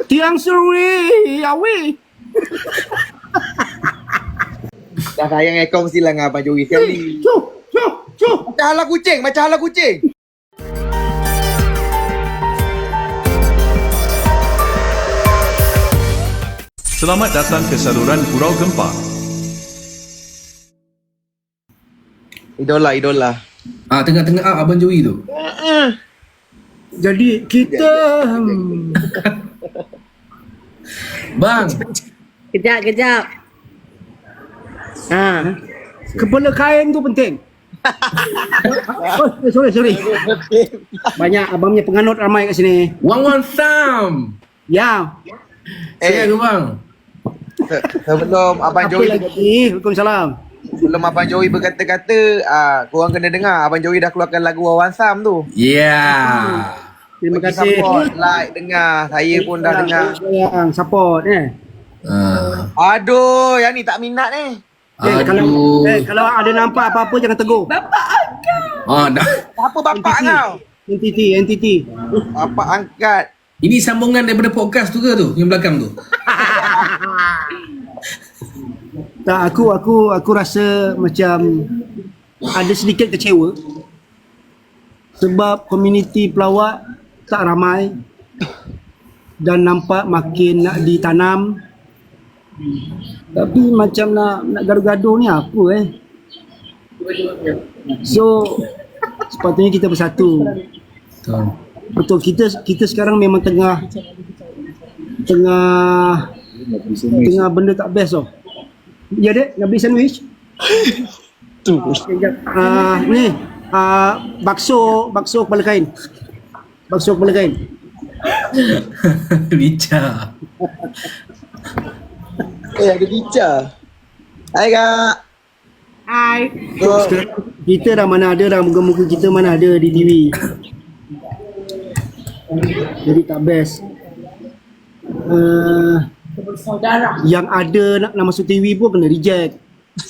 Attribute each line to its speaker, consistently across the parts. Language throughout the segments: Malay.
Speaker 1: Tiang Suri, awi.
Speaker 2: Dah sayang ekor mesti lah dengan Abang Joey sekali.
Speaker 1: Cuk.
Speaker 2: Macam hala kucing.
Speaker 3: Selamat datang ke saluran Gurau Gempa.
Speaker 2: Idola.
Speaker 4: Tengah-tengah Abang Joey tu.
Speaker 1: Jadi kita
Speaker 4: Bang,
Speaker 5: Kejap.
Speaker 1: kepala kain tu penting. Sorry. Banyak abang punya penganut ramai kat sini.
Speaker 4: Wan Sam.
Speaker 1: Ya.
Speaker 4: Sihat ke bang?
Speaker 2: Sebelum Abang
Speaker 1: Apa
Speaker 2: Joey
Speaker 1: lagi? Waalaikumsalam.
Speaker 2: Sebelum Abang Joey berkata-kata, korang kena dengar Abang Joey dah keluarkan lagu Wawan Sam tu.
Speaker 4: Yeah.
Speaker 1: Terima
Speaker 2: Bagi
Speaker 1: kasih.
Speaker 2: support, like, dengar. Saya pun dah dengar.
Speaker 1: Sayang, support
Speaker 2: Aduh, yang ni tak minat ni.
Speaker 1: Kalau ada nampak apa-apa jangan tegur.
Speaker 4: Dah.
Speaker 2: Apa bapak kau?
Speaker 1: NTT.
Speaker 2: Bapak angkat.
Speaker 4: Ini sambungan daripada podcast tu ke tu? Yang belakang tu?
Speaker 1: Tak, aku rasa macam ada sedikit kecewa sebab komuniti pelawak tak ramai dan nampak makin nak ditanam, tapi macam nak gaduh-gaduh ni apa so sepatutnya kita bersatu. Betul, kita sekarang memang tengah benda tak best tau. Ya dek, nak beli sandwich? Tu. Ni bakso kepala kain.
Speaker 4: Bicar.
Speaker 2: Ada bicar. Hai kak.
Speaker 5: Hai.
Speaker 1: Kita dah mana ada dah, muka-muka kita mana ada di TV. Jadi tak best. Yang ada nak masuk TV pun kena reject.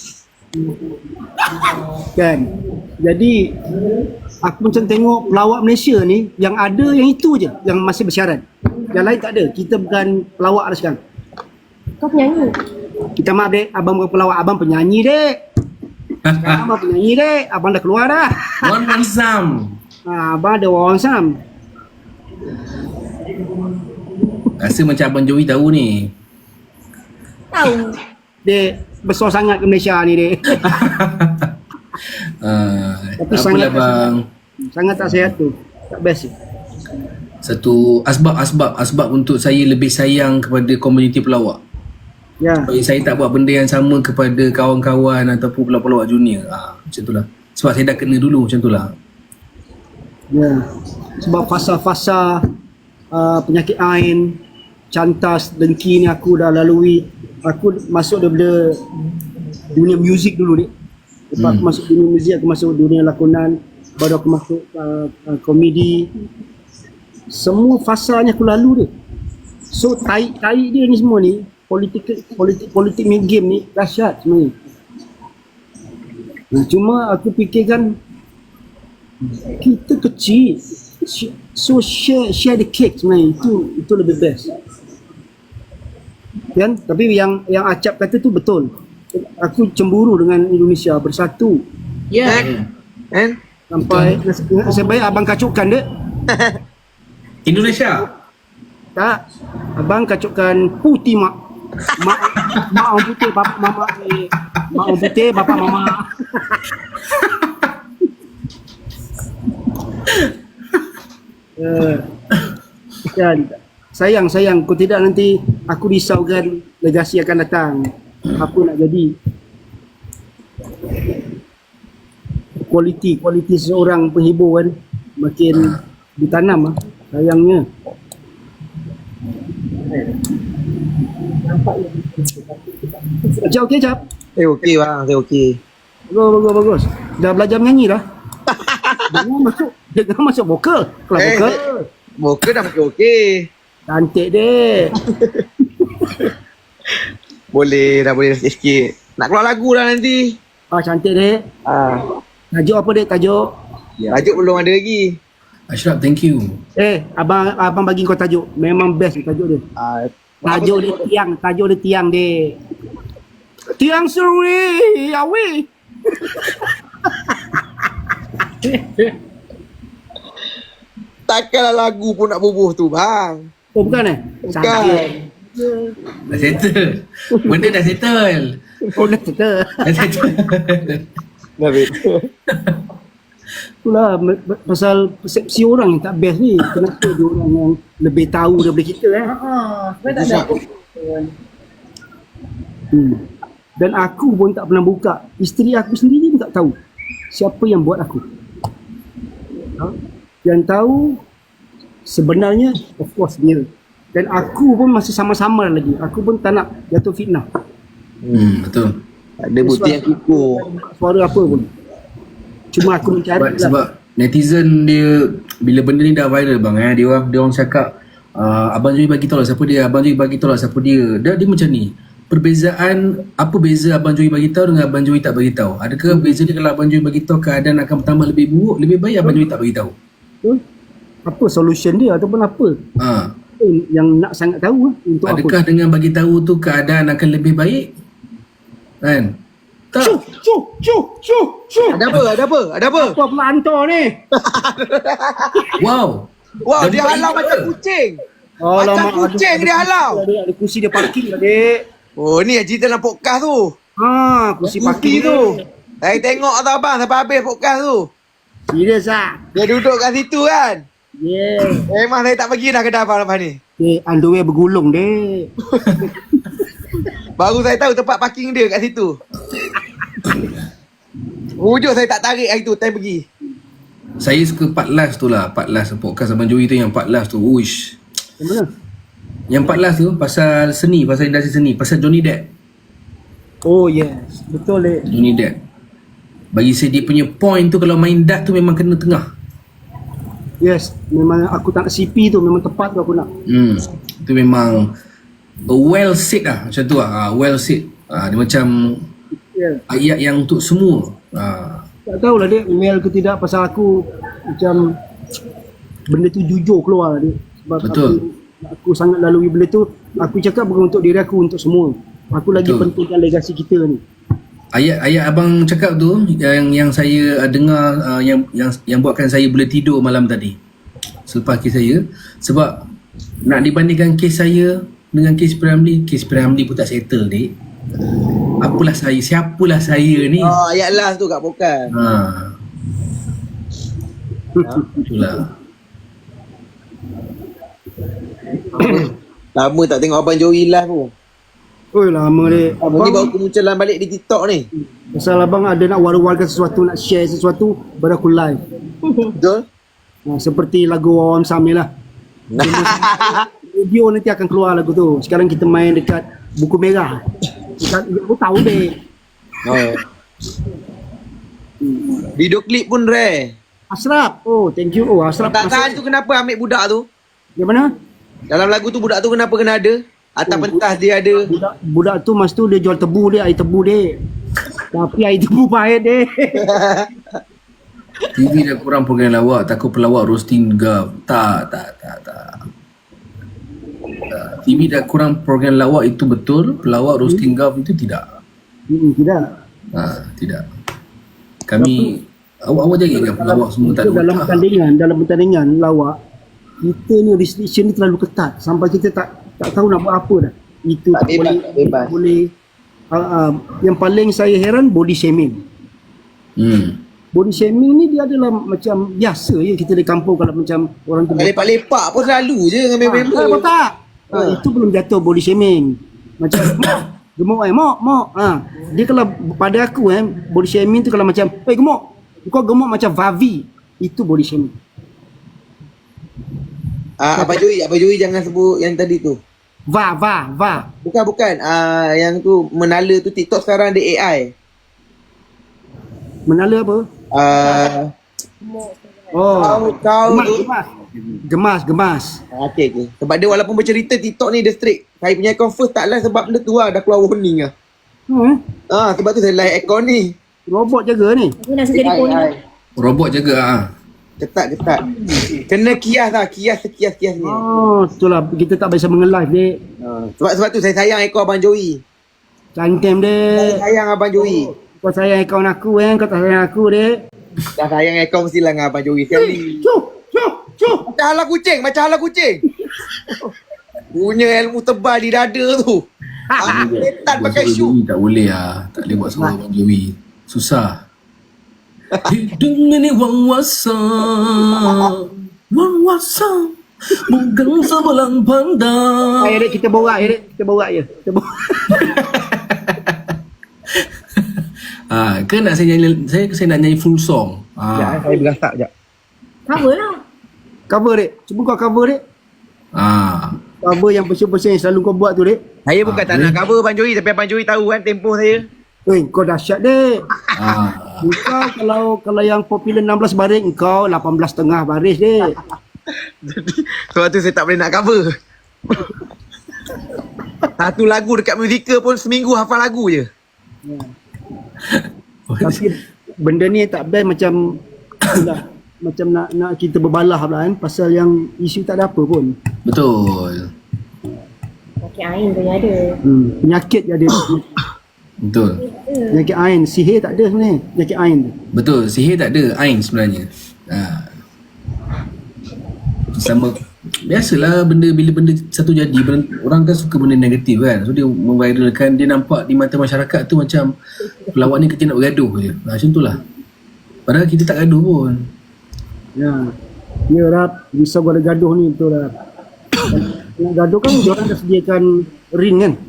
Speaker 1: Kan? Jadi aku macam tengok pelawak Malaysia ni, yang ada yang itu je yang masih bersyarat. Yang lain tak ada. Kita bukan pelawak dah sekarang.
Speaker 5: Kau penyanyi?
Speaker 1: Kita maaf dek, abang bukan pelawak, abang penyanyi dek. Sekarang abang penyanyi dek, abang dah keluar dah.
Speaker 4: Wan Sam.
Speaker 1: Abang ada Wawan Sam.
Speaker 4: Rasa macam Abang Joey tahu ni.
Speaker 5: Tahu.
Speaker 1: Dek, besar sangat ke Malaysia ni dek. Tapi
Speaker 4: Apalah bang.
Speaker 1: Sangat tak sihat tu. Tak best.
Speaker 4: Satu asbab untuk saya lebih sayang kepada komuniti pelawak.
Speaker 1: Ya.
Speaker 4: Saya tak buat benda yang sama kepada kawan-kawan ataupun pelawak-pelawak junior. Macam itulah. Sebab saya dah kena dulu macam itulah.
Speaker 1: Ya. Sebab fasa-fasa penyakit ain, cantas, dengki ni aku dah lalui. Aku masuk daripada dunia muzik dulu ni. Lepas aku masuk dunia muzik, aku masuk dunia lakonan, baru aku masuk komedi. Semua fasanya aku lalu dia. So tai dia ni semua ni, politik main game ni dahsyat sebenarnya. Cuma aku fikirkan kita kecil, so share the cake sebenarnya, itu lebih best kan. Tapi yang Acap kata tu betul. Aku cemburu dengan Indonesia bersatu.
Speaker 2: Kan?
Speaker 1: Sampai nasib baik abang kacukkan dek.
Speaker 4: Indonesia.
Speaker 1: Tak, abang kacukkan putih mak orang putih, bapak mama ni. Mak orang putih, bapak mama. Kan, sayang kau tidak nanti aku risaukan legasi akan datang. Apa nak jadi? Kualiti seorang penghibur kan makin ditanam sayangnya. Acap okey Acap?
Speaker 2: Okey bang, saya okey.
Speaker 1: Bagus. Dah belajar menyanyi dah? Jangan masuk vokal. Kelas vokal.
Speaker 2: Vokal dah makin okey.
Speaker 1: Cantik dek.
Speaker 2: Boleh sikit-sikit. Nak keluar lagu dah nanti.
Speaker 1: Cantik dek. Tajuk apa dek tajuk?
Speaker 2: Tajuk belum ada lagi.
Speaker 4: Ashraf, thank you.
Speaker 1: Abang bagi kau tajuk. Memang best tajuk dia. Tajuk dia tiang dia. Tiang suri, awi.
Speaker 2: Takkanlah lagu pun nak bubuh tu bang.
Speaker 1: Oh bukan
Speaker 2: Bukan.
Speaker 4: Dah settle. Benda dah settle.
Speaker 1: Oh dah cerita.
Speaker 4: Dah settle.
Speaker 1: Itulah pasal persepsi orang yang tak best ni. Kenapa dia orang yang lebih tahu daripada kita
Speaker 5: Sebab tak ada.
Speaker 1: Dan aku pun tak pernah buka. Isteri aku sendiri pun tak tahu siapa yang buat aku. Yang tahu sebenarnya of course dia. Dan aku pun masih sama-sama lagi. Aku pun tak nak jatuh fitnah.
Speaker 4: Betul.
Speaker 2: Ada bukti yang kukuh.
Speaker 1: Suara apa pun. Cuma aku mencari
Speaker 4: Sebab netizen dia bila benda ni dah viral bang dia orang cakap Abang Joey bagi tahu lah siapa dia, Abang Joey bagi tahu lah siapa dia. Dia macam ni. Perbezaan apa beza Abang Joey bagi tahu dengan Abang Joey tak bagi tahu? Adakah beza dia kalau Abang Joey bagi tahu keadaan akan bertambah lebih buruk, lebih baik Abang Joey tak bagi tahu?
Speaker 1: apa solution dia ataupun apa yang nak sangat tahu untuk
Speaker 4: adakah
Speaker 1: apa.
Speaker 4: dengan bagi tahu tu keadaan akan lebih baik? Kan? Tak.
Speaker 1: Cuh.
Speaker 2: Ada apa?
Speaker 1: Apa pula hantar ni?
Speaker 4: Wow.
Speaker 2: Wow,
Speaker 4: Jadi
Speaker 2: dia
Speaker 4: baik
Speaker 2: halau
Speaker 4: ke?
Speaker 2: macam kucing.
Speaker 1: Alamak,
Speaker 2: Macam kucing dia halau.
Speaker 1: Ada kursi dia parking lah, dek.
Speaker 2: Oh, ni yang cerita dalam podcast tu.
Speaker 1: Kursi
Speaker 2: Kuki
Speaker 1: parking
Speaker 2: tu. Saya tengok tau abang sampai habis podcast tu.
Speaker 1: Serius ah.
Speaker 2: Dia duduk kat situ kan.
Speaker 1: Yeah.
Speaker 2: Memang saya tak pergi dah kedai abang lepas ni.
Speaker 1: Dek, underwear bergulung, dek.
Speaker 2: Baru saya tahu tempat parking dia kat situ. Wujud saya tak tarik hari tu, saya pergi.
Speaker 4: Saya suka part last tu lah. Part last podcast Abang Joey tu yang part last tu. Uish.
Speaker 1: Yang mana?
Speaker 4: Yang part last tu pasal seni, pasal industri seni, pasal Johnny Depp.
Speaker 1: Oh yes, betul dek.
Speaker 4: Johnny Depp. Bagi saya dia punya point tu kalau main dart tu memang kena tengah.
Speaker 1: Yes, memang aku tak nak CP tu, memang tepat tu aku nak.
Speaker 4: Itu memang well said lah macam tu lah. Well said. Dia macam
Speaker 1: Yeah.
Speaker 4: ayat yang untuk semua.
Speaker 1: Tak tahulah dek, well ke tidak, pasal aku macam benda tu jujur keluar lah dek. Sebab
Speaker 4: Betul.
Speaker 1: aku sangat lalui benda tu. Aku cakap bukan untuk diri aku, untuk semua. Aku lagi
Speaker 4: Betul.
Speaker 1: pentingkan legasi kita ni.
Speaker 4: Ayat abang cakap tu yang saya dengar yang buatkan saya boleh tidur malam tadi selepas kes saya. Sebab nak dibandingkan kes saya dengan kes Piramli pun tak settle dek. Apalah saya, siapalah saya ni.
Speaker 2: Oh, ayat last tu kat podcast.
Speaker 4: Itulah.
Speaker 2: Lama tak tengok Abang Joey live tu.
Speaker 1: Oi lama dek.
Speaker 2: Abang ni baru kemunculan balik di TikTok ni.
Speaker 1: Pasal abang ada nak war-warkan sesuatu, nak share sesuatu, baru aku live.
Speaker 2: Betul?
Speaker 1: Seperti lagu Wawan Sam ni lah. Video nanti akan keluar lagu tu. Sekarang kita main dekat buku merah. Aku tahu dek.
Speaker 2: Oh. Video klip pun rare.
Speaker 1: Ashraf. Oh, thank you. Oh, Ashraf.
Speaker 2: Tak tahan tu kenapa ambil budak tu?
Speaker 1: Yang mana?
Speaker 2: Dalam lagu tu budak tu kenapa kena ada? Atas pentas dia ada.
Speaker 1: Budak tu masa tu dia jual tebu dia, air tebu dia. Tapi air tebu pahit dia.
Speaker 4: TV dah kurang program lawak, takut pelawak roasting gaf. Tak. TV dah kurang program lawak itu betul, pelawak roasting gaf itu tidak.
Speaker 1: Tidak.
Speaker 4: Tidak. Kami awak jaga kan pelawak semua tak
Speaker 1: Itu
Speaker 4: ada.
Speaker 1: dalam pertandingan lawak, kita ni restriction ni terlalu ketat sampai kita tak tahu nak buat apa dah. Itu
Speaker 2: Tak bebas.
Speaker 1: boleh. Yang paling saya heran body shaming. Body shaming ni dia adalah macam biasa je kita di kampung kalau macam orang tu
Speaker 2: Lepak-lepak pun selalu je dengan member.
Speaker 1: Apa tak? Itu belum jatuh body shaming. Macam gemuk mok. Dia kalau pada aku body shaming tu kalau macam gemuk. Kau gemuk macam Vavi. Itu body shaming.
Speaker 2: Abang Joey jangan sebut yang tadi tu.
Speaker 1: Va.
Speaker 2: Bukan. Yang tu menala tu TikTok sekarang ada AI.
Speaker 1: Menala apa?
Speaker 2: Kau tu.
Speaker 1: Gemas.
Speaker 2: Okay. Sebab dia walaupun bercerita TikTok ni dia strict. Saya punya account first tak live sebab benda tu lah dah keluar warning lah. Sebab tu saya live account ni.
Speaker 1: Robot jaga ni.
Speaker 5: Aku nak jadi poni.
Speaker 4: Robot jaga
Speaker 2: Ketat. Kena kias lah. Kias sekias-kias ni.
Speaker 1: Oh, itulah kita tak biasa menge-live dek.
Speaker 2: Sebab tu saya sayang ekor Abang Joey.
Speaker 1: Cantim
Speaker 2: Saya
Speaker 1: dek.
Speaker 2: sayang Abang Joey.
Speaker 1: Kau sayang akaun aku kau tak sayang aku dek.
Speaker 2: Dah sayang ekor mestilah dengan Abang Joey sekali.
Speaker 1: Cuh.
Speaker 2: Macam hala kucing. Punya ilmu tebal di dada tu. Ketat pakai
Speaker 4: Buat
Speaker 2: shoe.
Speaker 4: Joey tak boleh lah. Tak boleh buat suara Abang Joey. Susah. Hidung ini wang-wasam bukan sebelang pandang.
Speaker 1: Ayo dek kita borak je. Kita borak.
Speaker 4: Ke nak saya nak nyanyi full song.
Speaker 2: Saya berasak sekejap.
Speaker 5: Cover lah.
Speaker 1: Cover dek. Cuba kau cover dek. Cover yang persen-persen yang selalu kau buat tu dek.
Speaker 2: Saya bukan tak nak cover Abang Joey, tapi Abang Joey tahu kan tempoh saya.
Speaker 1: Kau dahsyat dek. Kau kalau yang popular 16 baris, kau 18.5 baris dek.
Speaker 2: Sebab tu saya tak boleh nak cover. Satu lagu dekat musical pun seminggu hafal lagu je.
Speaker 1: Tapi benda ni tak best macam macam nak kita berbalah pula kan, pasal yang isu tak ada apa pun.
Speaker 4: Betul.
Speaker 5: Pakai air tu yang ada.
Speaker 1: Penyakit je ada.
Speaker 4: Betul.
Speaker 1: Penyakit ain, sihir tak ada sebenarnya. Penyakit ain tu.
Speaker 4: Betul. Sihir tak ada. Ain sebenarnya. Sama. Biasalah bila benda satu jadi, orang kan suka benda negatif kan. So dia memviralkan, dia nampak di mata masyarakat tu macam pelawak ni kecil nak bergaduh je. Macam tu lah. Padahal kita tak gaduh pun.
Speaker 1: Ya Rap, risau gua ada gaduh ni betul Rap. Nak gaduh kan diorang dah sediakan ring kan.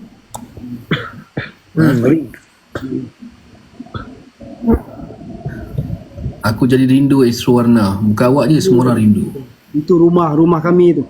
Speaker 4: Aku jadi rindu Astro Warna. Muka awak je semua orang rindu.
Speaker 1: Itu rumah kami tu.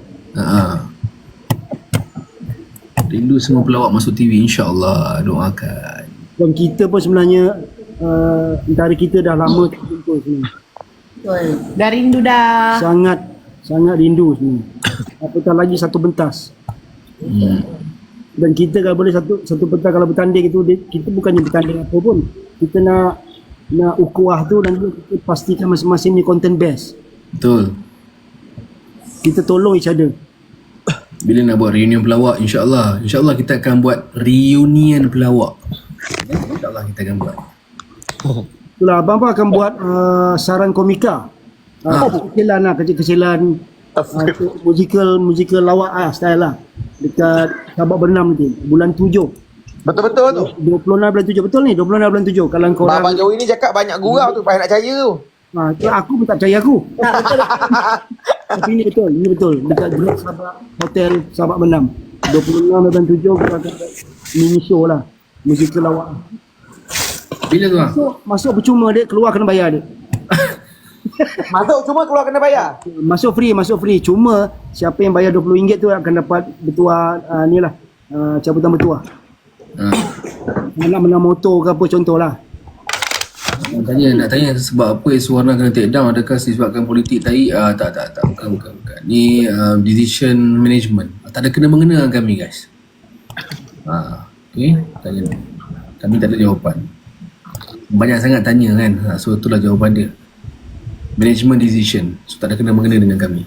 Speaker 4: Rindu semua pelawak masuk TV, insya-Allah. Doakan.
Speaker 1: Dan kita pun sebenarnya antara kita dah lama tak jumpa sebenarnya.
Speaker 5: Betul. Dah rindu dah.
Speaker 1: Sangat rindu sebenarnya. Apatah lagi satu pentas. Dan kita kalau boleh satu pentas kalau bertanding itu, kita bukannya bertanding apa pun. Kita nak ukuah tu dan kita pastikan masing-masing ni content best.
Speaker 4: Betul.
Speaker 1: Kita tolong each other.
Speaker 4: Bila nak buat reunion pelawak, insya-Allah kita akan buat reunion pelawak. InsyaAllah kita akan buat.
Speaker 1: Itulah abang akan buat saran komika. Kecil-kecilan lah, kecil-kecilan musical lawak style lah. Dekat Sabak Bernam nanti, bulan 7.
Speaker 2: Betul-betul tu.
Speaker 1: 26 bulan 7, betul ni, 26 bulan 7. Kalau kau
Speaker 2: Abang Joey ni cakap banyak gurau tu, payah nak percaya tu.
Speaker 1: aku pun tak percaya aku. Tapi ini betul. Dekat Grand Sabak Hotel Sabak Bernam. 26 bulan 7 kita akan mini show lah. Musical lawak.
Speaker 4: Bila tu ah?
Speaker 1: Masuk percuma dek, keluar kena bayar dek.
Speaker 2: Masuk cuma keluar kena bayar.
Speaker 1: Masuk free. Cuma siapa yang bayar RM20 tu akan dapat bertuah ni lah. Cabutan bertuah. Nak menang motor ke apa contohlah.
Speaker 4: Nak tanya sebab apa Suwarna kena take down, adakah disebabkan politik tai? Tak. Bukan. Ni decision management. Tak ada kena mengena dengan kami guys. Okay, tanya. Kami tak ada jawapan. Banyak sangat tanya kan. So itulah jawapan dia. Management decision. So tak ada kena mengena dengan kami.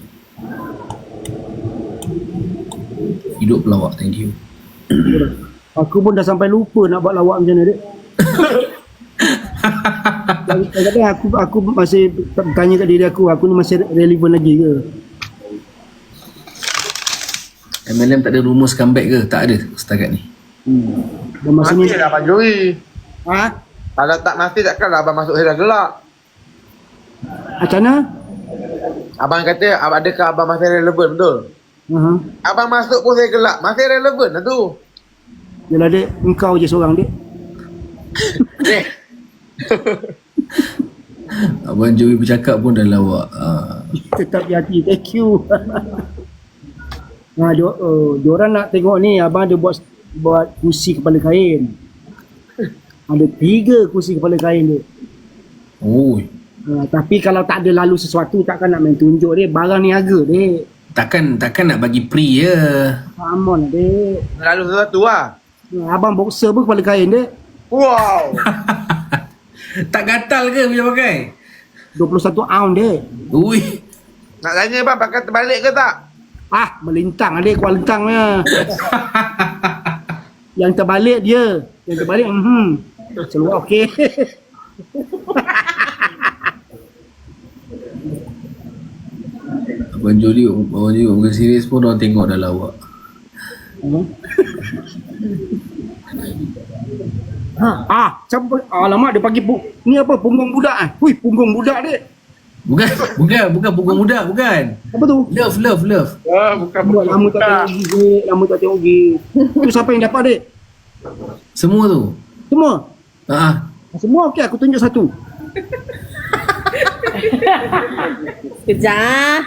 Speaker 4: Hidup pelawak, thank you.
Speaker 1: Aku pun dah sampai lupa nak buat lawak macam mana dek. Kadang-kadang aku masih tanya kat diri aku ni masih relevan lagi ke?
Speaker 4: MLM tak ada rumus comeback ke? Tak ada setakat ni.
Speaker 1: Dan masa ni
Speaker 2: Mati lah Abang Joey. Kalau tak mati takkanlah abang masuk saya dah gelak.
Speaker 1: macam mana?
Speaker 2: Abang kata adakah abang masih relevan, betul? Abang masuk pun saya gelak. Masih relevan lah tu.
Speaker 1: Yelah dek, engkau je seorang dek.
Speaker 4: Abang Joey bercakap pun dah lawak.
Speaker 1: Tetap di hati, thank you. Diorang nak tengok ni, abang ada buat kursi kepala kain. Ada 3 kursi kepala kain dek.
Speaker 4: Oh.
Speaker 1: Tapi kalau tak ada lalu sesuatu, takkan nak main tunjuk dek. Barang ni harga dek.
Speaker 4: Takkan nak bagi free je.
Speaker 1: Come on dek.
Speaker 2: Lalu sesuatu lah.
Speaker 1: Abang boxer pun kepala kain dek.
Speaker 2: Wow.
Speaker 4: Tak gatal ke bila pakai?
Speaker 1: 21 ounce dek.
Speaker 4: Ui.
Speaker 2: Nak tanya bang, pakai terbalik ke tak?
Speaker 1: Melintang adik kuat lentangnya. Yang terbalik dia. Yang terbalik seluar okey.
Speaker 4: Abang Jody bukan serius pun orang tengok dah lawak.
Speaker 1: Alamak dia bagi ni apa punggung budak ah. Hui, punggung budak dek.
Speaker 4: Bukan punggung muda, bukan.
Speaker 1: Apa tu?
Speaker 4: Love.
Speaker 2: Bukan
Speaker 1: Lama tak tengok gig. Tu siapa yang dapat dek?
Speaker 4: Semua tu.
Speaker 1: Semua?
Speaker 4: Semua
Speaker 1: Okey, aku tunjuk satu.
Speaker 5: Kejap.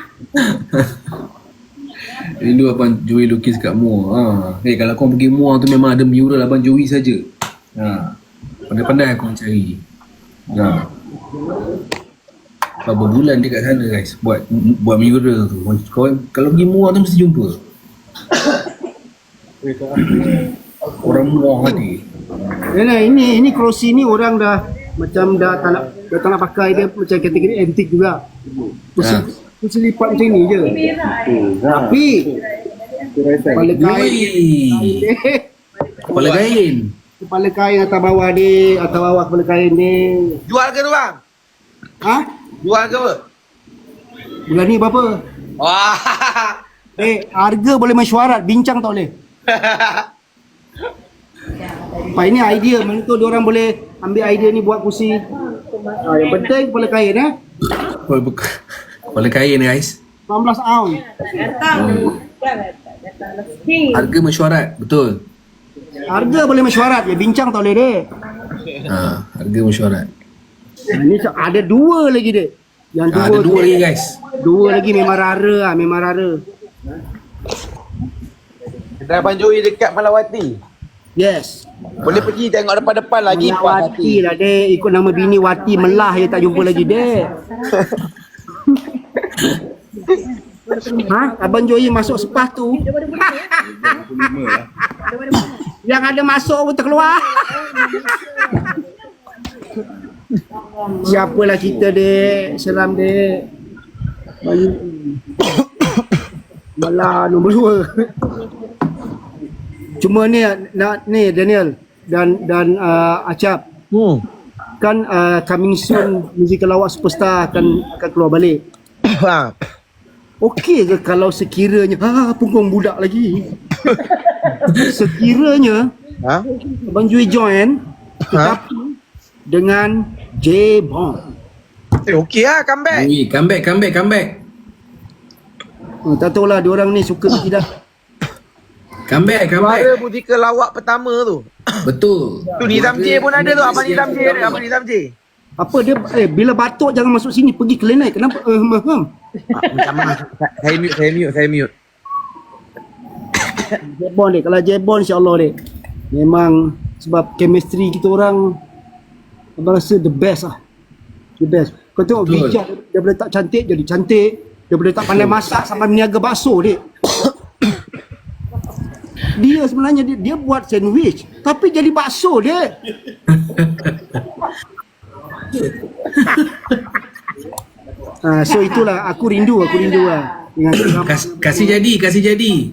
Speaker 4: Rindu Abang Joey lukis kat Muar. Kalau kau pergi Muar tu memang ada mural Abang Joey saja. Pandai-pandai aku mencari. Berapa bulan dia kat sana guys buat mural tu. Kau kalau pergi Muar tu mesti jumpa. Orang Muar tadi.
Speaker 1: Ini kerusi ni orang dah macam dah tak nak pakai dia macam kategori antik juga. Kursi lipat macam ni je. Tapi
Speaker 4: Kepala kain.
Speaker 1: Kepala kain atas bawah dia, atas bawah kepala kain dia.
Speaker 2: Jual ke tu bang? Jual ke apa?
Speaker 1: Bulan ni berapa?
Speaker 2: Wah.
Speaker 1: Harga boleh mesyuarat, bincang tak boleh. Ini idea, mana tu diorang boleh ambil idea ni buat kursi. Yang penting kepala kain
Speaker 4: Kepala kain guys.
Speaker 1: 19 ounce.
Speaker 4: Harga mesyuarat, betul.
Speaker 1: Harga boleh mesyuarat, bincang tak boleh dek.
Speaker 4: Harga mesyuarat.
Speaker 1: Ni ada dua lagi dek. Yang
Speaker 4: Ada dua lagi guys.
Speaker 1: Dua lagi memang rara memang rara.
Speaker 2: Kedai Abang Joey dekat Malawati.
Speaker 1: Yes.
Speaker 2: Boleh pergi tengok depan-depan lagi.
Speaker 1: Wati lah dek, ikut nama bini Wati Melah je tak jumpa lagi dek. Abang Joey masuk sepas tu. Yang ada masuk pun terkeluar. Siapalah kita dek, seram dek. Malah nombor 2. Cuma ni Daniel dan Acap. Kan coming soon musical lawak superstar akan keluar balik. Okey ke kalau sekiranya punggung budak lagi. Sekiranya Abang Joey join tetapi dengan J-Bond.
Speaker 2: Okey lah, comeback.
Speaker 4: Comeback.
Speaker 1: Tak tahulah diorang ni suka ke tidak.
Speaker 4: Comeback.
Speaker 2: Suara musikal lawak pertama tu.
Speaker 4: Betul.
Speaker 2: Tu Nizam J pun ada tu. Abang Nizam J ada. Abang Nizam J.
Speaker 1: Apa dia bila batuk jangan masuk sini, pergi ke Lenai. Kenapa?
Speaker 2: Minta maaf. Saya mute.
Speaker 1: J-Bond dek. Kalau J-Bond insya-Allah dek. Memang sebab chemistry kita orang abang rasa the best lah. The best. Kau tengok Vijay dia boleh tak cantik jadi cantik. Dia boleh tak pandai masak sampai meniaga bakso dek. Dia sebenarnya dia buat sandwich tapi jadi bakso dek. So itulah aku rindu lah dengan
Speaker 4: Kasih jadi.
Speaker 1: Kasih jadi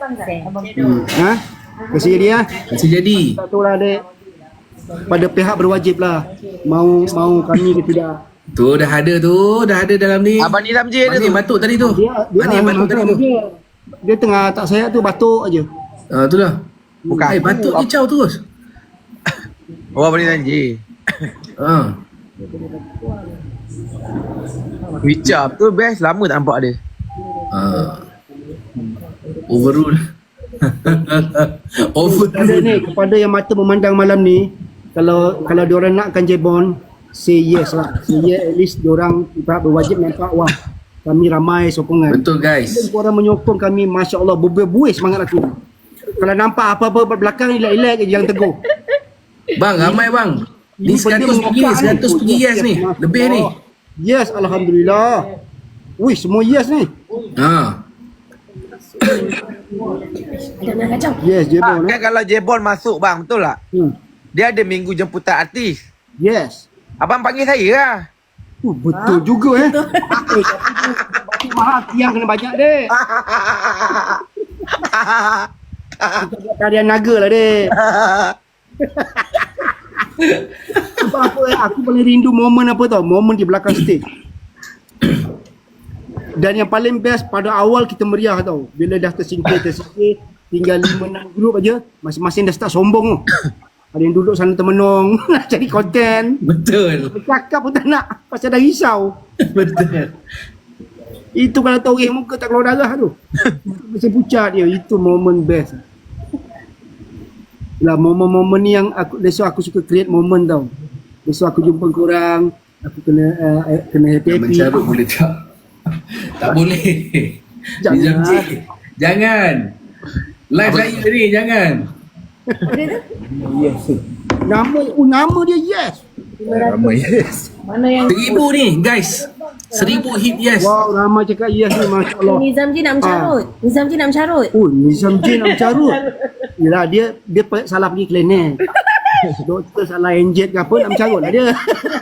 Speaker 4: Kasih jadi.
Speaker 1: Tak tahulah dek. Pada pihak berwajib lah mau kami ke tidak.
Speaker 4: Tu dah ada dalam ni.
Speaker 2: Abang Nizam J ada tu.
Speaker 4: Batuk tadi tu.
Speaker 1: Dia
Speaker 4: Batuk tadi tu.
Speaker 1: Dia tengah tak sihat tu batuk aje.
Speaker 4: Itulah.
Speaker 2: Bukan.
Speaker 4: Batuk dia caw terus.
Speaker 2: Abang Nizam J. Wicap tu best. Lama tak nampak dia.
Speaker 4: Overrule.
Speaker 1: Kepada ni, kepada yang mata memandang malam ni, kalau diorang nakkan J-Bond, say yes lah. Say yes, at least diorang pihak berwajib nampak wah kami ramai sokongan.
Speaker 4: Betul guys.
Speaker 1: Dan korang menyokong kami, Masya Allah, berbuih semangat aku. Kalau nampak apa-apa belakang elak-elak je jangan tegur.
Speaker 4: Bang, ramai bang. Ni 100 pergi yes ni. Lebih ni.
Speaker 1: Yes, Alhamdulillah. Wih, semua yes ni. Yes, J-Bond.
Speaker 2: Kan kalau J-Bond masuk bang, betul tak? Dia ada minggu jemputan artis.
Speaker 1: Yes.
Speaker 2: Abang panggil saya lah.
Speaker 1: Betul juga tapi batu mahal tiang kena banyak dek. Kita buat tarian naga lah dek. Sebab apa aku paling rindu momen apa tau? Momen di belakang stage. Dan yang paling best pada awal kita meriah tau. Bila dah tersingkir tinggal 5-6 grup aja, masing-masing dah start sombong tu. Ada yang duduk sana termenung nak cari konten.
Speaker 4: Betul.
Speaker 1: Bercakap pun tak nak pasal dah risau.
Speaker 4: Betul.
Speaker 1: Itu kalau tahu muka tak keluar darah tu. Mesti pucat dia. Itu momen best. Lah momen-momen ni yang aku suka create momen tau. Besok aku jumpa korang, aku kena happy-happy.
Speaker 4: Mencarut boleh tak? Tak boleh.
Speaker 1: Jangan.
Speaker 4: Jangan. Live saya ni jangan.
Speaker 1: Yes. Nama dia yes.
Speaker 4: Ramai yes.
Speaker 5: Mana yang
Speaker 4: 1000 ni guys. 1000 hit yes.
Speaker 1: Wow, ramai cakap yes ni, Masya Allah.
Speaker 5: Nizam Ji nak mencarut. Nizam Ji nak mencarut.
Speaker 1: Oh, Nizam J nak carut. Yelah, dia salah pergi klinik. Doktor salah inject ke apa, nak mencarut lah dia.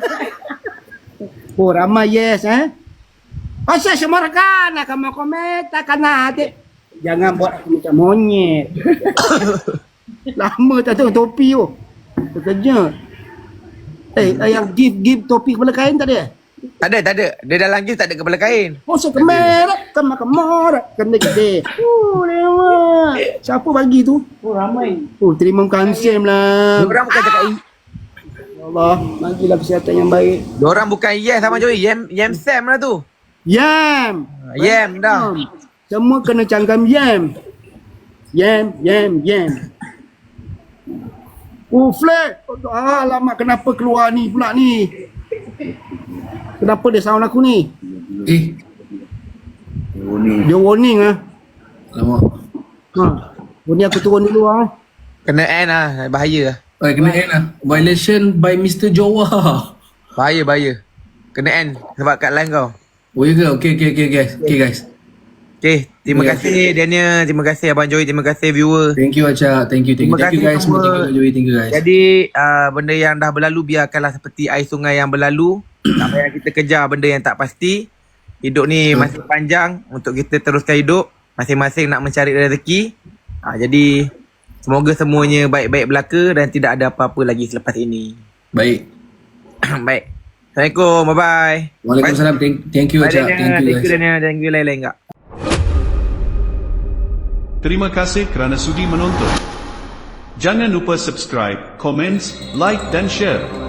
Speaker 1: Oh, ramai yes Pasal semua rekan akan komentar kan adik. Jangan buat aku macam monyet. Lama tak tengok topi tu. Terkejut. Yang give topi kepala kain tak ada?
Speaker 2: Tak ada. Dia dalam gift tak ada kepala kain.
Speaker 1: Oh, saya kemerak. Kemerak. Kena gede. Lewat. Siapa bagi tu?
Speaker 5: Oh, ramai.
Speaker 1: Oh, terima kasih lah.
Speaker 2: Diorang bukan cakap
Speaker 1: Ya Allah, bagilah kesihatan yang baik.
Speaker 2: Diorang bukan yes sama Joey. Yam Sam lah tu.
Speaker 1: Yam.
Speaker 2: Yam dah.
Speaker 1: Semua kena canggam yam. Yam. Oh, flag. Alamak, kenapa keluar ni pula ni? Kenapa dia sound aku ni? Dia warning
Speaker 4: Alamak.
Speaker 1: Warning aku turun dulu
Speaker 2: Kena end lah. Bahaya lah.
Speaker 4: Kena end lah. Violation by Mr. Jawa.
Speaker 2: Bahaya. Kena end. Sebab kat line kau.
Speaker 4: Oh ya ke? Okay guys.
Speaker 2: Okay. Terima kasih Daniel. Terima kasih Abang Joey. Terima kasih viewer.
Speaker 4: Thank you Acak. Thank you
Speaker 2: Terima kasih
Speaker 4: guys.
Speaker 2: semua.
Speaker 4: Thank you Joey. Thank you guys.
Speaker 2: Jadi benda yang dah berlalu biarkanlah seperti air sungai yang berlalu. Tak payah kita kejar benda yang tak pasti. Hidup ni masih panjang untuk kita teruskan hidup. Masing-masing nak mencari rezeki. Jadi semoga semuanya baik-baik belaka dan tidak ada apa-apa lagi selepas ini.
Speaker 4: Baik.
Speaker 2: Baik. Assalamualaikum. Bye-bye.
Speaker 4: Waalaikumsalam. Thank you Acak. Thank you guys.
Speaker 2: Thank you lain-lain enggak.
Speaker 3: Terima kasih kerana sudi menonton. Jangan lupa subscribe, komen, like dan share.